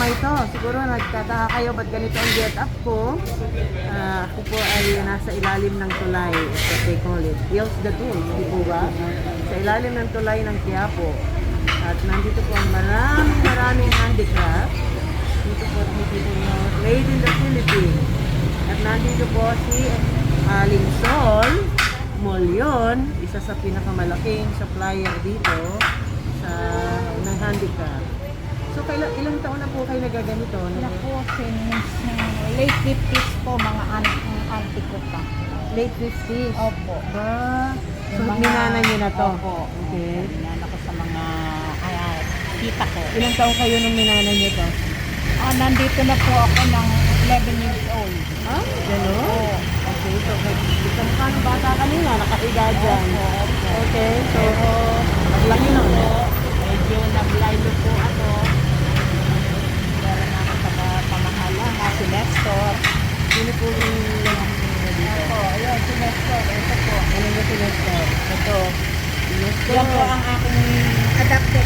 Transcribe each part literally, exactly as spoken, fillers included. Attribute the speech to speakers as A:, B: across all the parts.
A: ito. Siguro nagtataka kayo ba't ganito ang get up ko. Ah, ako po ay nasa ilalim ng tulay, what they call it. Hills the Tools, di po ba? Sa ilalim ng tulay ng Quiapo. At nandito po ang maraming maraming handicraft. Dito po nakikita nyo, made in the Philippines. At nandito po si Aling Sol Molyon, isa sa pinakamalaking supplier dito sa ng handicraft. So, kailan, ilang taon na po kayo nagaganito?
B: Wala po, since uh, late fifties po, mga an- auntie ko pa.
A: Late fifties?
B: Opo.
A: Ba? So,
B: Yung mga-
A: minana nyo na to?
B: Opo.
A: Okay.
B: Minana ko sa mga uh, tita ko.
A: Ilang taon kayo nung minana nyo to?
B: Ah, nandito na po ako ng eleven years old.
A: Ah, gano'n?
B: Oo.
A: Okay, so gusto mo ka ng bata kanina, nakahiga dyan.
B: Opo, opo.
A: Okay, so
B: Pero,
A: maglaki
B: yun
A: nun.
B: po, medyo naglaylo po ako. Meron na ako sa mga pamahalaan, si Nestor.
A: Sino po yung dito?
B: Opo, ayun, si Nestor. Ito po.
A: Ano ba si Nestor?
B: Ito.
A: Nestor.
B: Yan po ang aking adapted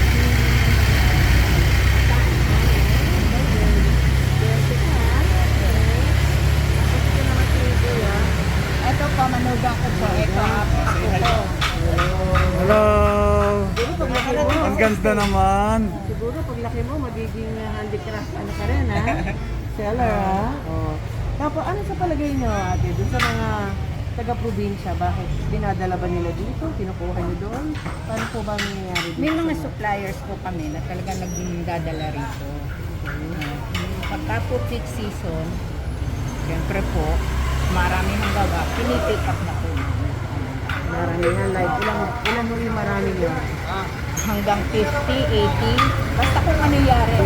B: ito po, manugang ko po. Ito, ako po.
C: Hello!
A: Siguro pag laki mo,
C: Ang ganda naman.
A: siguro pag laki mo, magiging uh, handicraft ano ka rin, ha? Seller, ha? Oh. Tapos, ano sa palagay nyo, ate, dun sa mga taga-probinsya, bakit dinadala ba nila dito? Kinukuha nyo doon? Paano po ba ang nangyayari dito?
B: May mga suppliers po kami na talagang nagdadala rito. Pagka po peak season, siyempre po, marami ng gawa, pinipick up na po.
A: Maramihan, like, ilang, ilang mo yung marami nyo?
B: Hanggang fifty, eighty, basta kung ano yari.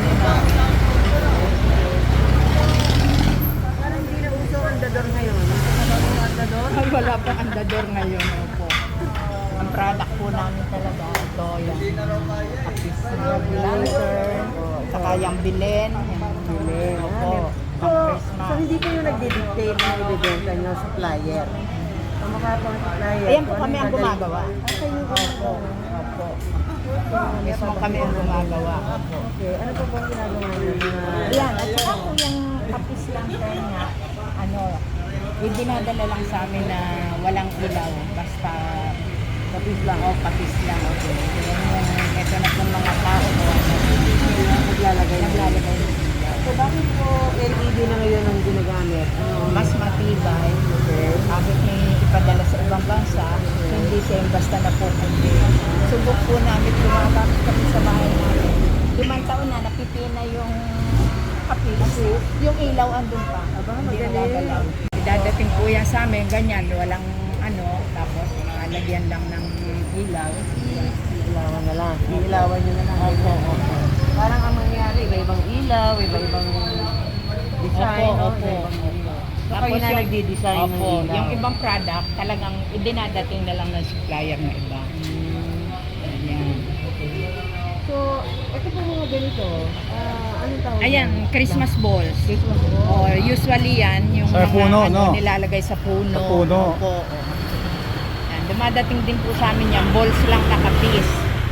A: Parang hindi na uso ang dador ngayon. Ano ba yung andador?
B: Ay, wala pang andador ngayon. Opo. Ang product po namin talaga, ito, yung kapis na lancer, saka yung bilen, yung
A: Bilen.
B: Opo.
A: So, so hindi kayo nagdi-dictate na ibibenta nyo supplier? Ang mga pang supplier.
B: Ayan po
A: kung
B: kami
A: anong
B: ang
A: dadalhin-
B: gumagawa.
A: Ah, kayo yung
B: Opo. Opo. Mismo kami ang gumagawa. Opo.
A: Okay, ano pa bang ginagawa nyo? Mga-
B: Ayan, at saka po yung kapis lancer nga, ano, ibinadala lang sa amin na walang ilaw, basta
A: Kapis lang.
B: o kapis lang. Okay. Yan yung, ito na po mga tao mo, ano,
A: Naglalagay.
B: naglalagay ng ilaw.
A: So, bakit po L E D na ngayon ang ginagamit? Ano?
B: Mas matibay, kahit may ipadala sa ibang bansa, hindi siya yung basta na pupundi. Subok po namin, gumagamit kami sa bahay namin. Limang taon na, napipina yung kapis. Yung ilaw andun pa.
A: Aba,
B: Hindi
A: magaling.
B: nagagalaw. Idadating po yan sa amin, ganyan, walang ano, tapos nakalagyan lang ng ilaw.
A: Ilawan na lang. Iilawan nyo na lang. Opo, opo. Parang ang mangyari, iba-ibang ilaw, iba-ibang design.
B: Opo,
A: no?
B: opo.
A: Iba-ibang ilaw. So,
B: Tapos
A: kayo na
B: yung-
A: nagdi-design ng
B: Opo,
A: ilaw.
B: yung ibang product, talagang idinadating na lang ng supplier na iba. Ayan.
A: So, ito po mga ganito. Ah, anong tawag?
B: Ayan,
A: yan?
B: Christmas balls.
A: Christmas ball.
B: Or usually yan, yung
C: Sa
B: mga
C: puno,
B: ano,
C: no?
B: nilalagay sa puno.
C: Sa puno.
B: Opo, oo. Yan, dumadating din po sa amin yan, balls lang nakapis.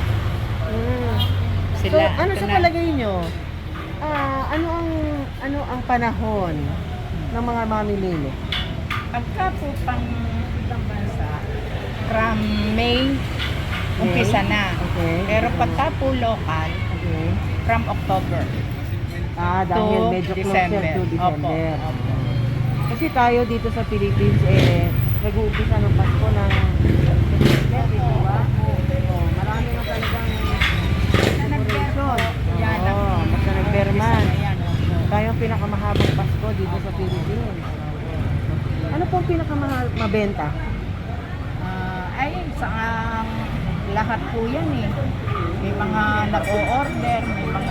A: Mm. So,
B: Sila,
A: ano
B: ito
A: sa
B: na-
A: palagay nyo? Ah, ano ang ano ang panahon ng mga mamimili?
B: Pagka po pang ibang bansa, from May, umpisa na.
A: Okay.
B: Pero pagka po local,
A: Okay.
B: from October
A: Ah, dahil
B: to
A: medyo closer
B: December.
A: to December.
B: Opo, opo.
A: Kasi tayo dito sa Philippines, eh, nag-uumpisa ng Pasko ng September, di ba? Oh, marami na talagang decoration.
B: Yan,
A: Oo,
B: ang-
A: basta nagberman.
B: Yan, opo.
A: Tayo ang pinakamahabang Pasko dito sa Philippines. Ano pong pinakamahal mabenta?
B: Ah, ay, sa ang lahat po yan eh. May mga nag-o-order, may mga...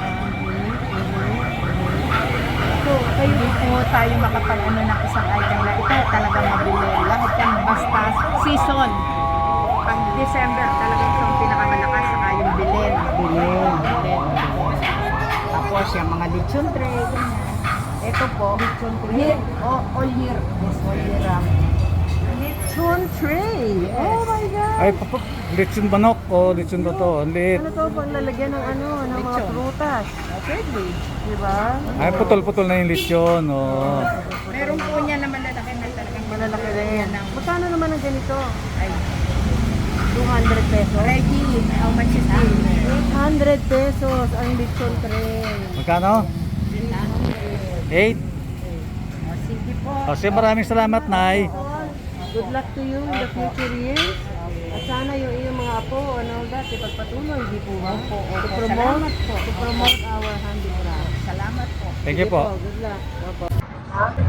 B: So, kayo din po tayo makapag-ano ng isang item na ito talagang mabili. Lahat yan basta season. Pag December talagang itong pinakamalakas saka yung bilin.
A: Bilhin.
B: Bilin. Tapos yung mga lechon tray, ganyan. Ito po,
A: Lechon tray?
B: year, oh, all year. Yes, all year round.
A: lechon tray. Oh my God!
C: Ay, papa, lechon manok o lechon to to. Ang liit.
A: Ano to pang lalagyan ng ano, ng mga
B: Lechon.
A: prutas.
B: Pwede.
A: Di ba?
C: Ay, putol-putol na yung lechon. Oh.
B: Meron po niya na malalaki na talagang
A: Malalaki rin.
B: ng
A: Magkano naman ang ganito?
B: ay,
A: two hundred pesos?
B: Reggie, how much is this?
A: eight hundred pesos ang lechon tray.
C: Magkano? eight.
B: O, sige po.
C: O, sige, maraming salamat, Nay.
A: Good luck to you in the future years. At sana yung iyong mga apo and all that, ipagpatuloy, di po ba?
B: Opo, opo.
A: To promote,
B: Salamat po.
A: to promote our handicraft.
B: Salamat po.
C: Thank you
A: Sige
C: po.
A: Good luck. Opo.